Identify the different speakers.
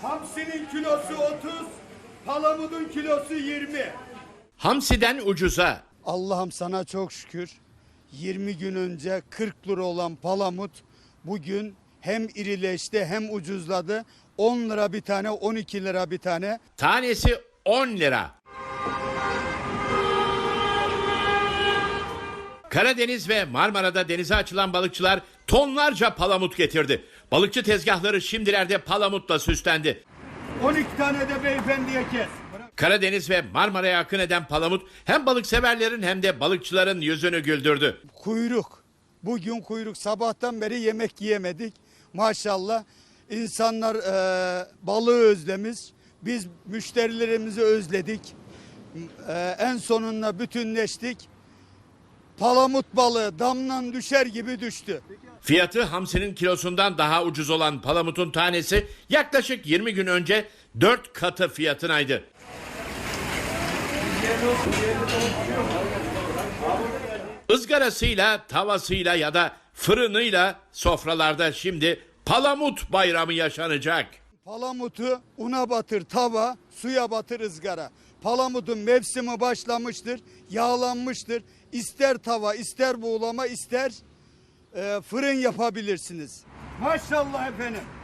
Speaker 1: Hamsinin kilosu 30, palamudun kilosu 20.
Speaker 2: Hamsiden ucuza.
Speaker 1: Allah'ım sana çok şükür. 20 gün önce 40 lira olan palamut bugün hem irileşti hem ucuzladı. 10 lira bir tane, 12 lira bir tane.
Speaker 2: Tanesi 10 lira. Karadeniz ve Marmara'da denize açılan balıkçılar tonlarca palamut getirdi. Balıkçı tezgahları şimdilerde palamutla süslendi.
Speaker 1: 12 tane de beyefendiye kes.
Speaker 2: Karadeniz ve Marmara'ya akın eden palamut hem balıkseverlerin hem de balıkçıların yüzünü güldürdü.
Speaker 1: Kuyruk. Bugün kuyruk. Sabahtan beri yemek yiyemedik. Maşallah. İnsanlar balığı özlemiş. Biz müşterilerimizi özledik. En sonunda bütünleştik. Palamut balığı damdan düşer gibi düştü.
Speaker 2: Fiyatı hamsinin kilosundan daha ucuz olan palamutun tanesi yaklaşık 20 gün önce 4 katı fiyatınaydı. Izgarasıyla, tavasıyla ya da fırınıyla sofralarda şimdi palamut bayramı yaşanacak.
Speaker 1: Palamutu una batır tava, suya batır ızgara. Palamutun mevsimi başlamıştır, yağlanmıştır. İster tava, ister buğulama, ister fırın yapabilirsiniz. Maşallah efendim.